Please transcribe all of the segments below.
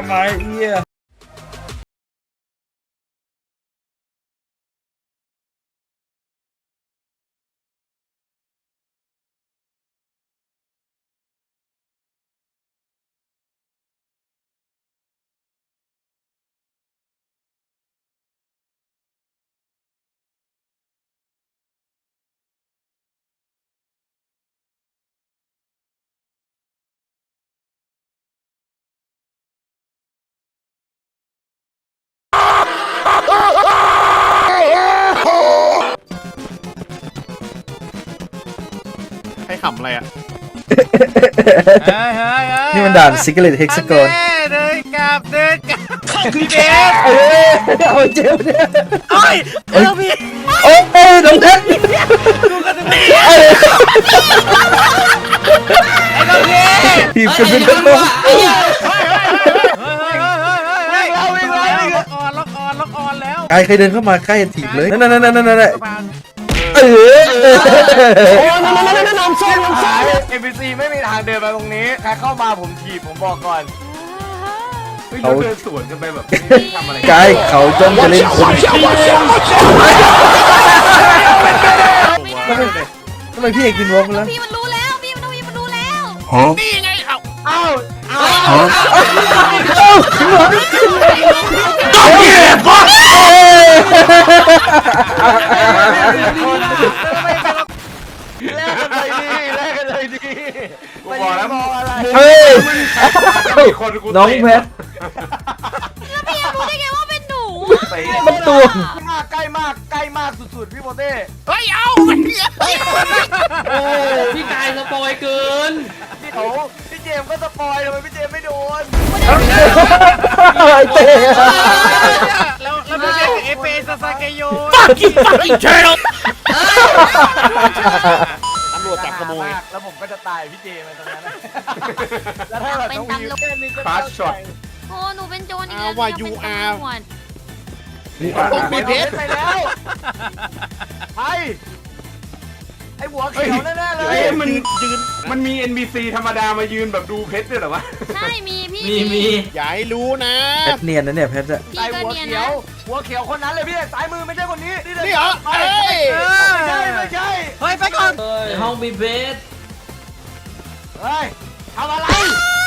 ำไมเอี้ยให้ขำอะไรอ่ะนี่มันด่านซิกเลตเฮกซากอนเดินกลับพี่เบสเอาเจ็บเนี่ยโอ้ยเราพี่โอ้ยน้องแท็กดูกันตรงนี้ไอ้ตรงนี้ทีมกันเป็นทั้งหมดล็อกออนแล้วใครเคยเดินเข้ามาใกล้ถีบเลยนั่นเออน้ำส้มNPC ไม่มีทางเดินมาตรงนี้ใครเข้ามาผมถีบผมบอกก่อนเขาเดินสวนกันไปแบบทำอะไรกายเขาจ้องจะเล่นคนทำไมพี่เอกกินวอล์กแล้วพี่มันรู้แล้วพี่มันรู้แล้วนี่ไงเอ้าต้องเก็บก่อนแลกกันเลยดีกูบอกแล้วเฮ้ยน้องแพทแล้วพี่รู้ได้ไงว่าเป็นหนูมันตัวใกล้มากสุดๆพี่โมเต้เฮ้ยเอาพี่กายสปอยเกินพี่เจมก็สปอยทำไมพี่เจมไม่โดนเตะแล้วพี่เบสเอเปซาซาเกโย fucking turtle ตำรวจจับขโมยแล้วผมก็จะตายพี่เจมตรงนั้นแล้วถ้าแบบต้องวิวแค่นึงก็คราชช็อตโอ้หนูเป็นโจรอีกแล้วว่าหนู you เป็น are ตำรวจต้องมีเพชรไปแล้วไอ้หัวเขียวแน่ๆเลยมันมี NPC ธรรมดามายืนแบบดูเพชรด้วยเหรอวะใช่มีพี่มีอย่าให้รู้นะแพทเนียนนะเนี่ยแพทอะพี่ไอ้ก็หัวเนียนเขียนะวหัวเขียวคนนั้นเลยพี่ซ้ายมือไม่ใช่คนนี้นี่เหรอเฮ้ยไม่ใช่เฮ้ยไปก่อนในห้องบีเบสเฮ้ยทำอะไร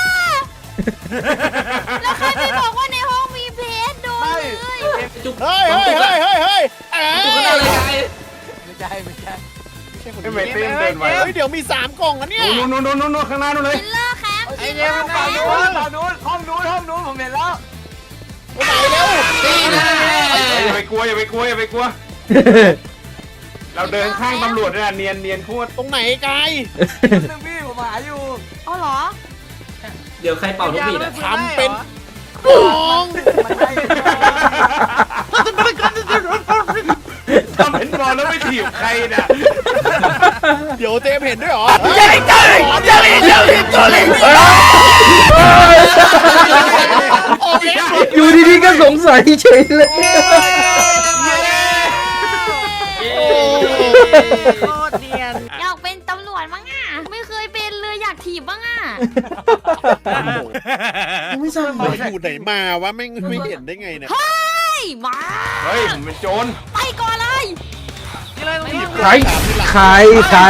แล้วใครไปบอกว่าในห้องมีเพชรโดนเลยจุกเฮ้ยจุกก็ได้เลยกายไม่ใช่ไม่เต็มเดินไว้เดี๋ยวมี3กล่องนะเนี่ยนู่นข้างหน้านู่นเลยคิลเลอร์แคมป์ไอ้เจมส์ฝั่งนู้นห้องนู้นผมเห็นแล้วไปเร็วนี่นะอย่าไปกลัวเราเดินข้างตำรวจเนี่ยเนียนโคตรตรงไหนไกลนึงพี่ผมหาอยู่อ๋อเหรอเดี๋ยวใครเป่านกหวีดอ่ะทำเป็นกองทำเป็นบอลแล้วไม่ถีบใครน่ะเดี๋ยวเจมเห็นด้วยหรออยู่ดีๆก็สงสัยเฉยเลยโคตรเนียนอยากเป็นตำรวจมั้งอ่ะไม่เคยเป็นเลยอยากถีบบ้างอ่ะไม่ทราบอยู่ไหนมาวะไม่เห็นได้ไงเนี่ยเฮ้ยมาเฮ้ยผมเป็นโจรไปก่อนเลยใครเอาไม่ใช่ใคร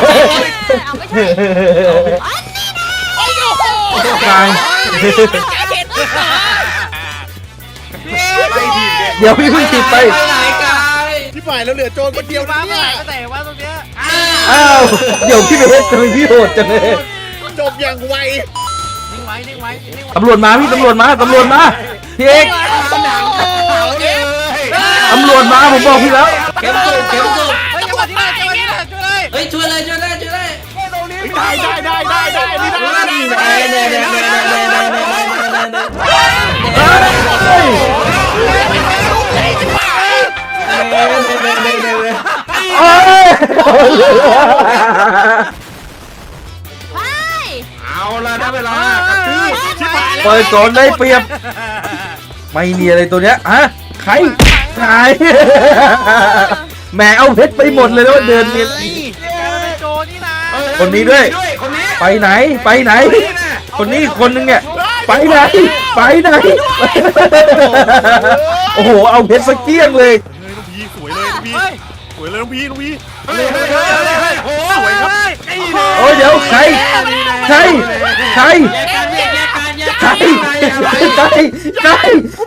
เดี๋ยวพี่เพิ่งถีบไปไปไหนกายที่ฝ่ายเราเหลือโจรคนเดียวนะเนี่ยแต่ว่าตรงเนี้ยอ้าวเดี๋ยวพี่เบสทำไมพี่โหดจังเลยจบอย่างไวนิ่งไว้ตำรวจมาพี่ตำรวจมาพี่เอกตำรวจมาผมบอกพี่แล้วเข็มสุกเฮ้ยจังหวะที่ไหนช่วยเลยเฮ้ยช่วยเลยตรงนี้ได้นี่ได้โอ้ยไปเอาละได้เวลากระทืบชิบหายแล้วเปิดก่อนได้เปรียบไม่มีอะไรตัวเนี้ยฮะใครแหมเอาเพชรไปหมดเลยแล้วเดินเนียนโจนี่นะคนนี้ด้วยคนนี้ไปไหนคนนี้คนนึงเนี่ยชไปไหนไปไหนโอ้โหเอาเพชรสเกี้ยงเลยเฮ้ยน้องพีสวยเลยน้องพีสวยเลยน้องพีน้องพีเฮ้ยโอ้สวยครับโอ้ยเดี๋ยวใครใครใครแยกกันแยกกันแยกใครกันใครใคร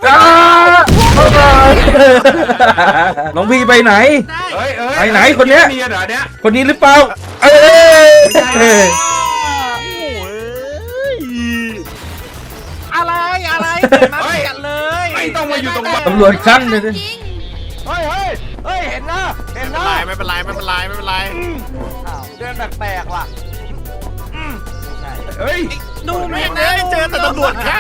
น้องพี่ไปไหน ไปไหนคนเนี้ยเนียนเหรอเนี้ยคนนี้หรือเปล่าเอ้ยอะไรเดินมากันเลยไม่ต้องมาอยู่ตรงบ้านตำรวจขั้นเลยจริงเฮ้ยเห็นนะเห็นนะไม่เป็นไรเดินแปลกๆว่ะเฮ้ยดูแม่งเลยเจอแต่ตำรวจค่ะ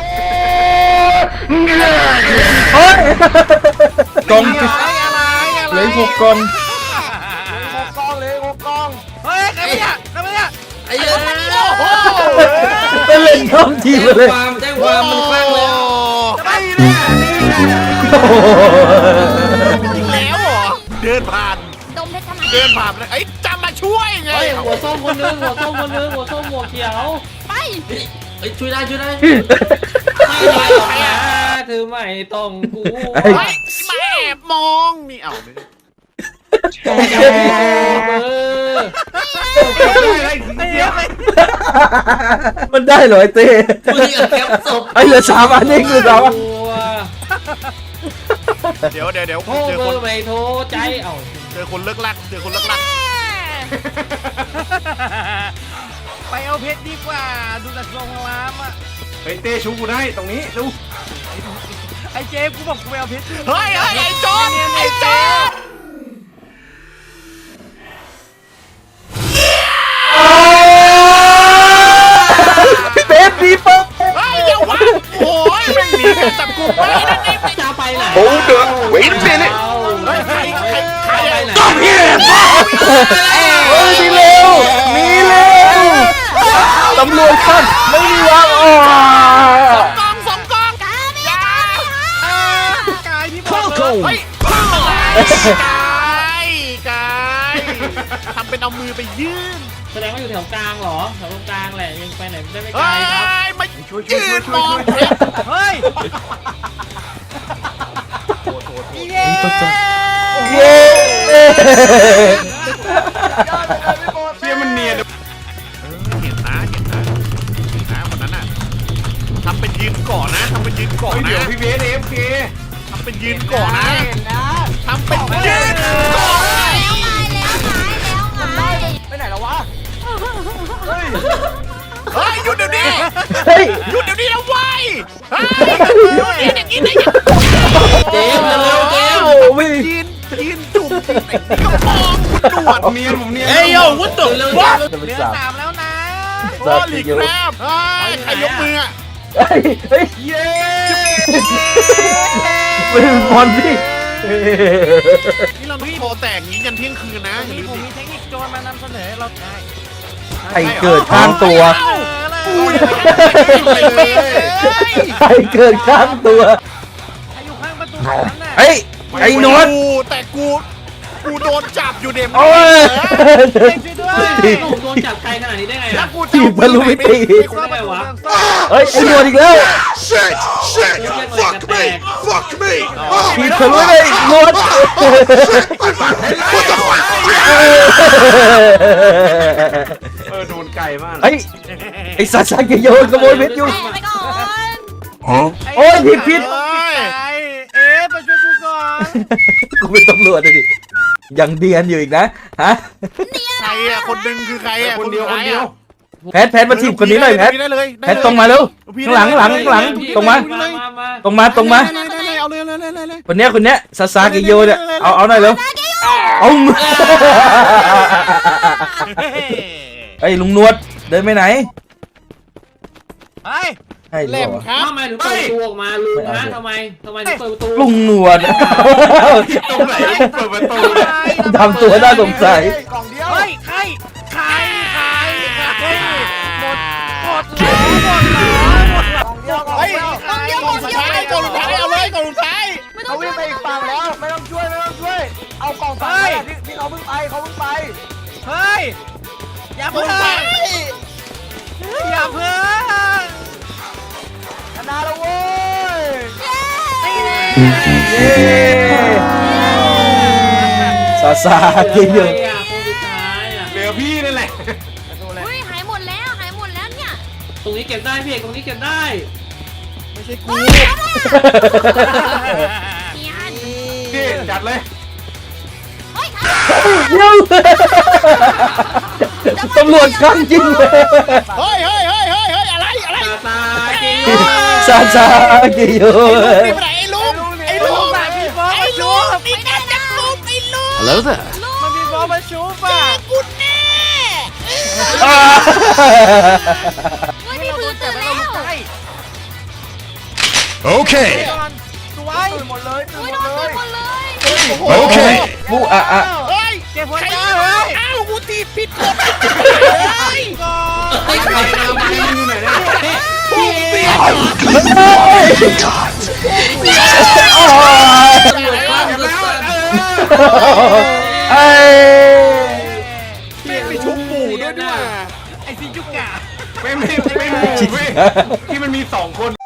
โอ้ยกองอะไรเหลือ6กองกองเลยกองเฮ้ยใครเนี่ยไอ้เหี้ยเป็นเล่นท้องทีมเลยแจ้งความมันคลั่งแล้วไปเลยนี่ไงจริงแล้วเหรอเดินผ่านดมเพชรทำไมเดินผ่านเลยไอ้จำมาช่วยไงเฮ้ยหัวส้มคนนึงหัวส้มคนนึงหัวส้มหัวเขียวไปเฮ้ยช่วยได้ไม่ได้หรอกนะเธอไม่ต้องกูเฮ้ยมาแอบมองนี่เอาเลยเดี๋ยวมันได้เหรอไอ้เต้มึงแคปศพไอ้เหลือ3 อันเองเหลือ3 อันเดี๋ยวโทรเบอร์ไม่โทรใจเอ้าเจอคนเลิกลักไปเอาเพชรดีกว่าดูจากโรงแรมอ่ะเฮ้ยเต้ชูกูได้ตรงนี้ดูไอ้เจฟกูบอกกูไปเอาเพชรเฮ้ยไอ้จอนไอ้จอนพี่เป๊ปดีปุ๊บเฮ้ยอย่าวะโอ้ยไม่มีการจับกูไปนั่นเองจะไปไหนโอ้เด้อเว้ยเป๊ะเฮ้ยใครไปไหนต้องเฮียเฮ้ยมีเร็วมีเร็วตำรวจขั้นไม่มีวางออกสองกองกาไม่ยากายที่บอกเลยเฮ้ยกายทำเป็นเอามือไปยื่นแสดงว่าอยู่แถวกลางเหรอแถวตรงกลางแหละยังไปไหนได้ไม่ไกลเฮ้ยครับมายืนมองเฮ้ยเย้เย้เชี่ยมันเนียนเห็นนะคนนั้นน่ะทำเป็นยืนก่อนนะทำเป็นยืนก่อนเดี๋ยวนะพี่เบสFK ทำเป็นยืนก่อนนะทำเป็นยืนก่อนแล้วไงแล้วไงไปไหนแล้ววะเฮ้ยหยุดเดี๋ยวนี้เฮ้ยหยุดเดี๋ยวนี้นะเว้ยเฮ้ยหยุดอย่างนี้ได้ยังเจมส์เร็วเจมส์โอ้ไม่ยืนจุ่มไอ้นี่ก็มองคุณตรวจเนียนผมเนียนเอ้ยโย่วุ้นตุ่มเร็ววัดเร็วจะเป็นเดือน 3 3แล้วนะโอ้ลีแครบเฮ้ยใครยกมืออ่ะเฮ้ยเฮ้ยเย้เป็นบอลพี่นี่เราต้องโทรแตกงี้กันเที่ยงคืนนะอย่าลืมผมมีเทคนิคโจรมานำเสนอเราได้ใครเกิดข้างตัวอุ้ยเลยใครเกิดข้างตัวอยู่ข้างประตูนั้นน่ะเฮ้ยไอ้โนนแต่กูโดนจับอยู่เดมโอ้ยช่วยด้วยผมโดนจับไกลขนาดนี้ได้ไงแล้อ่ะวกูถีบทะลุมิติได้วะเฮ้ยไอ้โนนอีกแล้ว Shit! Fuck me! Fuck me! ถีบทะลุเลยโนน What the fuck? โดนไก่มากเฮ้ยไอ้ซาซาเกโยนขโมยเพชรอยู่แม่ไปก่อนโอ้ยผิดเอ๊ะมาช่วยกูก่อนกูเป็นตำรวจเลยดิยังเดียนอยู่อีกนะฮะใครอ่ะคนดึงคือใครอ่ะคนเดียวคนเดียวแพทมาถีบคนนี้หน่อยแพทได้เลยแพทตรงมาเร็วข้างหลังตรงมา ตรงมาเอาเลยคนเนี้ยซาซาเกโยเนี่ยเอาหน่อยเร็วเอาไอ้ลุงนวดเดินไปไหนไอ้ให้เล่มครับทำไมถึงเปิดประตูออกมาลุงนะทำไมถึงเปิดประตูลุงนวดตรงไหนเปิดประตูทำตัวน่าสงสัยกล่องเดียวเฮ้ยใครหมดเฮ้ยกล่องสุดท้ายเอาเลยกล่องสุดท้ายไม่ต้อเขางวิ่งไปอีกฝั่งแล้วไม่ต้องช่วยเอากล่องฝั่งที่เขาเพิ่งไปเฮ้ยอย่าเพิ่งซาซาเกโยใครอ่ะคนสุดท้ายอ่ะเหลือพี่นั่นแหละอุ้ยหายหมดแล้วหายหมดแล้วเนี่ยตรงนี้เก็บได้พี่เอกตรงนี้เก็บได้ไม่ใช่กูเนียนพี่จัดเลยเฮ้ยเดี๋ยวตำรวจข้างจริงเลยเฮ้ยอะไรตาเกโยซาซาเกโยนี่ไปไหนไอ้ลุงไอ้ลุงนี่แกจับลุงไอ้ลุง Hello there มันมีบอลมาชูป่ะกูแน่เฮ้ยพี่พื้นตื่นแล้ว Okay ตื่นหมดเลยตื่นอุ้ยหมโดดนเลตื่นยหมดเลย Okay มูอะอะเฮ้ยเก็บหัวใจเฮ้ยอ้าวกูตีผิดกฎเฮ้ยไอ้ใครเอาไปอยู่ไหนเนี่ยพี่เอก ตำรวจข้ามสุดสันไอ้พี่มีชุบหมูด้วยนะไม่ที่มันมี2 คน